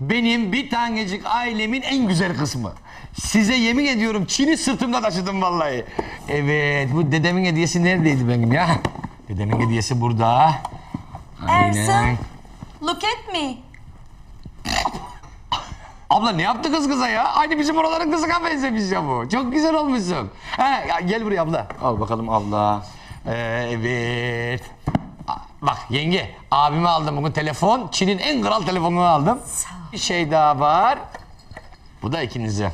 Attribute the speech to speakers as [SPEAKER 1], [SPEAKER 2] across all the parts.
[SPEAKER 1] benim bir tanecik ailemin en güzel kısmı. Size yemin ediyorum Çin'i sırtımda taşıdım vallahi. Evet, bu dedemin hediyesi neredeydi benim ya? Dedemin hediyesi burada.
[SPEAKER 2] Ersin, look at me.
[SPEAKER 1] Abla ne yaptı kız kıza ya? Aynı bizim oraların kızına benzemiş ya bu. Çok güzel olmuşsun. He, ya gel buraya abla. Al bakalım abla. Evet. Bak yenge, abime aldım bugün telefon. Çin'in en kral telefonunu aldım. Bir şey daha var. Bu da ikinize.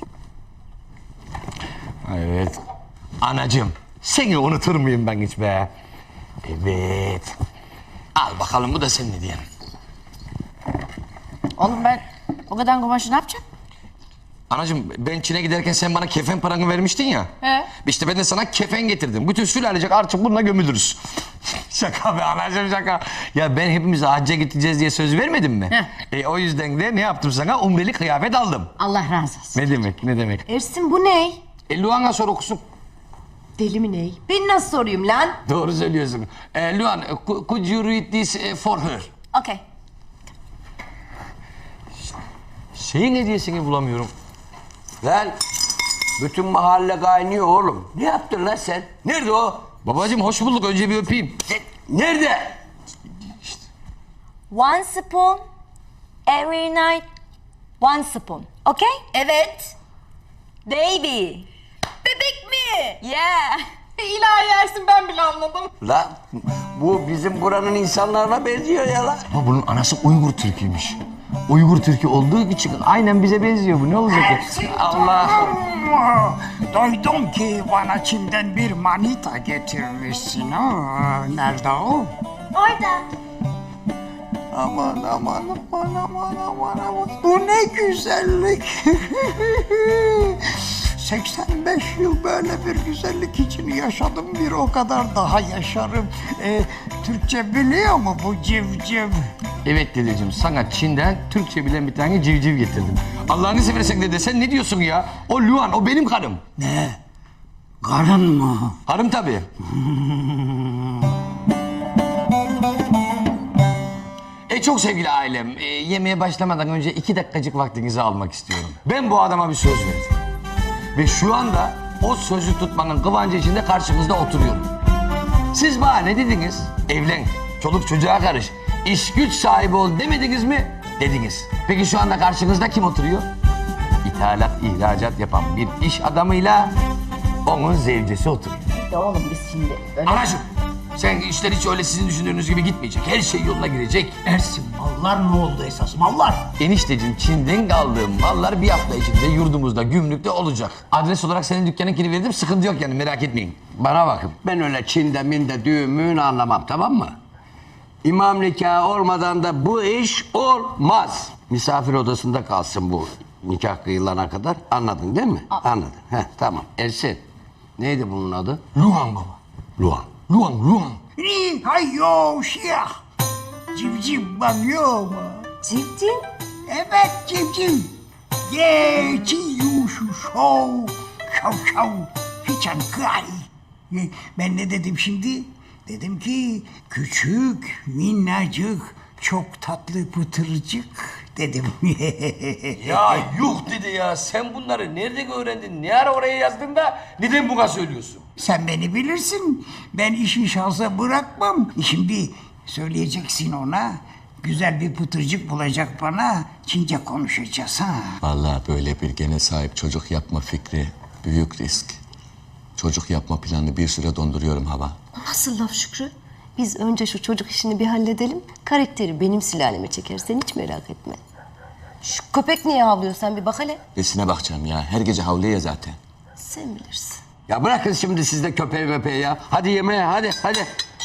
[SPEAKER 1] Evet. Anacığım, seni unutur muyum ben hiç be? Evet. Al bakalım, bu da senin hediyen.
[SPEAKER 2] Oğlum ben o kadar kumaşı ne yapacağım?
[SPEAKER 1] Anacığım, ben Çin'e giderken sen bana kefen paranı vermiştin ya.
[SPEAKER 2] He.
[SPEAKER 1] İşte ben de sana kefen getirdim. Bütün sülalecek artık bununla gömülürüz. Şaka be anacığım, şaka. Ya ben hepimiz hacca gideceğiz diye söz vermedim mi? O yüzden de ne yaptım sana? Umreli kıyafet aldım.
[SPEAKER 2] Allah razı olsun.
[SPEAKER 1] Ne demek, ne demek?
[SPEAKER 2] Ersin bu ne?
[SPEAKER 1] Luan'a sor okusun.
[SPEAKER 2] Deli mi ne? Ben nasıl sorayım lan?
[SPEAKER 1] Doğru söylüyorsun. Luan, could you read this for her?
[SPEAKER 2] Okay.
[SPEAKER 1] Şeyin hediyesini bulamıyorum.
[SPEAKER 3] Lan bütün mahalle kaynıyor oğlum. Ne yaptın lan sen? Nerede o?
[SPEAKER 1] Babacığım hoş bulduk. Önce bir öpeyim.
[SPEAKER 3] Nerede?
[SPEAKER 4] One spoon every night. One spoon. Okay?
[SPEAKER 2] Evet.
[SPEAKER 4] Baby.
[SPEAKER 2] Bebek mi?
[SPEAKER 4] Yeah.
[SPEAKER 2] İlahi Ersin ben bile anladım.
[SPEAKER 3] Lan bu bizim buranın insanlarına benziyor ya lan.
[SPEAKER 1] Ama bunun anası Uygur Türk'üymüş. Uygur Türk'ü olduğu için aynen bize benziyor bu. Ne olacak ki? Allah.
[SPEAKER 5] Duydum ki bana Çin'den bir manita getirmişsin. Nerede o?
[SPEAKER 4] Orada.
[SPEAKER 5] Aman aman aman aman aman aman. Bu ne güzellik. 85 yıl böyle bir güzellik için yaşadım, bir o kadar daha yaşarım. Türkçe biliyor mu bu civciv?
[SPEAKER 1] Evet dedeciğim, sana Çin'den Türkçe bilen bir tane civciv getirdim. Allah'ını seversen dede, sen ne diyorsun ya? O Luan, o benim karım.
[SPEAKER 5] Ne? Karın mı?
[SPEAKER 1] Karım tabii. Çok sevgili ailem, yemeğe başlamadan önce 2 dakikacık vaktinizi almak istiyorum. Ben bu adama bir söz verdim. Ve şu anda o sözü tutmanın kıvancı içinde karşınızda oturuyorum. Siz bana ne dediniz? Evlen, çoluk çocuğa karış, iş güç sahibi ol demediniz mi? Dediniz. Peki şu anda karşınızda kim oturuyor? İthalat, ihracat yapan bir iş adamıyla onun zevcesi oturuyor.
[SPEAKER 2] Ya oğlum biz şimdi öyle...
[SPEAKER 1] Anacığım, sen işler hiç öyle sizin düşündüğünüz gibi gitmeyecek. Her şey yoluna girecek.
[SPEAKER 5] Ersin, mallar ne oldu esas, mallar?
[SPEAKER 1] Enişteciğim, Çin'den aldığım mallar bir hafta içinde yurdumuzda, gümrükte olacak. Adres olarak senin dükkanınkini verdim, sıkıntı yok yani, merak etmeyin.
[SPEAKER 3] Bana bakın, ben öyle Çin'de minde düğün müğün anlamam, tamam mı? İmam nikahı olmadan da bu iş olmaz. Misafir odasında kalsın bu nikah kıyılana kadar. Anladın değil mi? Anladın. Heh, tamam. Ersin, neydi bunun adı?
[SPEAKER 1] Luan baba.
[SPEAKER 3] Luan.
[SPEAKER 1] Luan.
[SPEAKER 5] Ni hayo şiyah. Civciv bakıyor mu?
[SPEAKER 4] Civciv.
[SPEAKER 5] Evet civciv. Ye çi yu şu şov. Şov şov. Hiçan kay. Ben ne dedim şimdi? Dedim ki küçük, minnacık, çok tatlı pıtırcık dedim.
[SPEAKER 1] Ya yuh dedi ya, sen bunları nerede öğrendin? Ne ara oraya yazdın da neden buna söylüyorsun?
[SPEAKER 5] Sen beni bilirsin. Ben işi şansa bırakmam. Şimdi söyleyeceksin ona. Güzel bir pıtırcık bulacak bana. Çince konuşacağız ha.
[SPEAKER 6] Vallahi böyle bir gene sahip çocuk yapma fikri büyük risk. Çocuk yapma planını bir süre donduruyorum hava.
[SPEAKER 7] Nasıl laf Şükrü? Biz önce şu çocuk işini bir halledelim. Karakteri benim sülaleme çeker. Sen hiç merak etme. Şu köpek niye havlıyor, sen bir bak hele.
[SPEAKER 6] Besine bakacağım ya. Her gece havlıyor zaten.
[SPEAKER 7] Sen bilirsin.
[SPEAKER 3] Ya bırakın şimdi siz de köpeği möpeği ya. Hadi yemeğe, hadi.